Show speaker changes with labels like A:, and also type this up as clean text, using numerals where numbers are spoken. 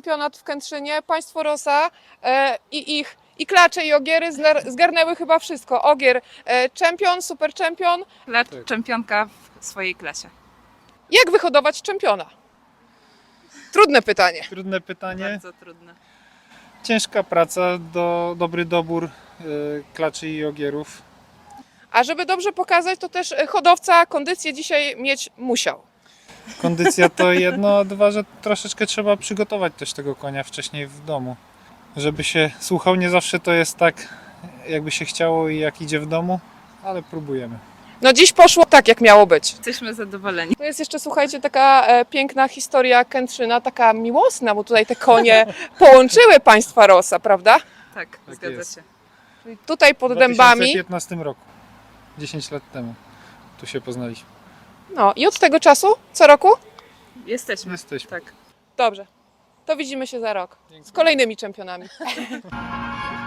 A: czempionat w Kętrzynie. Państwo Rosa i Klacze i Ogiery zgarnęły chyba wszystko. Ogier czempion, super czempion.
B: Klacz czempionka w swojej klasie.
A: Jak wyhodować czempiona? Trudne pytanie.
C: Trudne pytanie.
B: Bardzo trudne.
C: Ciężka praca, dobry dobór klaczy i ogierów.
A: A żeby dobrze pokazać, to też hodowca kondycję dzisiaj mieć musiał.
C: Kondycja to jedno, a dwa, że troszeczkę trzeba przygotować też tego konia wcześniej w domu. Żeby się słuchał, nie zawsze to jest tak, jakby się chciało i jak idzie w domu, ale próbujemy.
A: No dziś poszło tak, jak miało być.
B: Jesteśmy zadowoleni.
A: To jest jeszcze, słuchajcie, taka piękna historia Kętrzyna, taka miłosna, bo tutaj te konie połączyły państwa Rosa, prawda?
B: Tak,
C: Tak
B: zgadza
C: jest.
B: się.
A: Czyli tutaj pod
C: W
A: dębami.
C: 2015 roku, 10 lat temu, tu się poznaliśmy.
A: No i od tego czasu, co roku?
B: Jesteśmy.
C: Jesteśmy.
B: Tak.
A: Dobrze. To widzimy się za rok z kolejnymi czempionami.